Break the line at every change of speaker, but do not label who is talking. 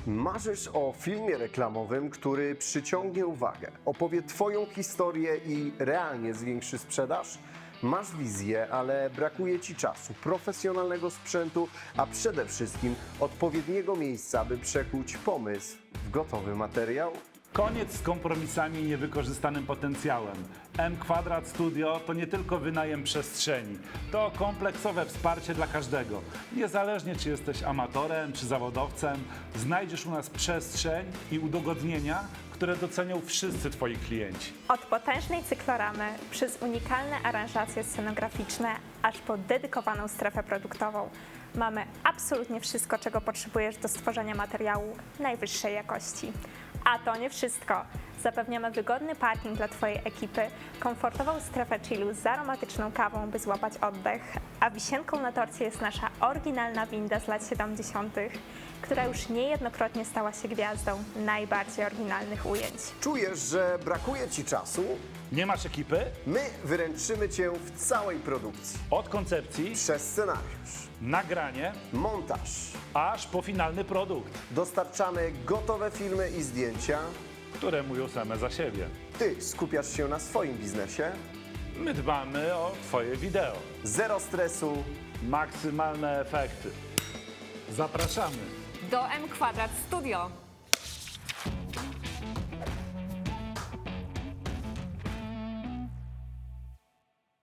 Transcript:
Marzysz o filmie reklamowym, który przyciągnie uwagę, opowie Twoją historię i realnie zwiększy sprzedaż? Masz wizję, ale brakuje Ci czasu, profesjonalnego sprzętu, a przede wszystkim odpowiedniego miejsca, by przekuć pomysł w gotowy materiał?
Koniec z kompromisami i niewykorzystanym potencjałem. M² Studio to nie tylko wynajem przestrzeni, to kompleksowe wsparcie dla każdego. Niezależnie czy jesteś amatorem czy zawodowcem, znajdziesz u nas przestrzeń i udogodnienia, które docenią wszyscy Twoi klienci.
Od potężnej cykloramy, przez unikalne aranżacje scenograficzne, aż po dedykowaną strefę produktową. Mamy absolutnie wszystko, czego potrzebujesz do stworzenia materiału najwyższej jakości. A to nie wszystko. Zapewniamy wygodny parking dla Twojej ekipy, komfortową strefę chillu z aromatyczną kawą, by złapać oddech, a wisienką na torcie jest nasza oryginalna winda z lat 70., która już niejednokrotnie stała się gwiazdą najbardziej oryginalnych ujęć.
Czujesz, że brakuje Ci czasu?
Nie masz ekipy?
My wyręczymy Cię w całej produkcji.
Od koncepcji,
Przez scenariusz,
nagranie,
montaż.
aż po finalny produkt,
Dostarczamy gotowe filmy i zdjęcia.
które mówią same za siebie.
Ty skupiasz się na swoim biznesie.
My dbamy o Twoje wideo.
Zero stresu.
Maksymalne efekty. Zapraszamy!
Do M² Studio.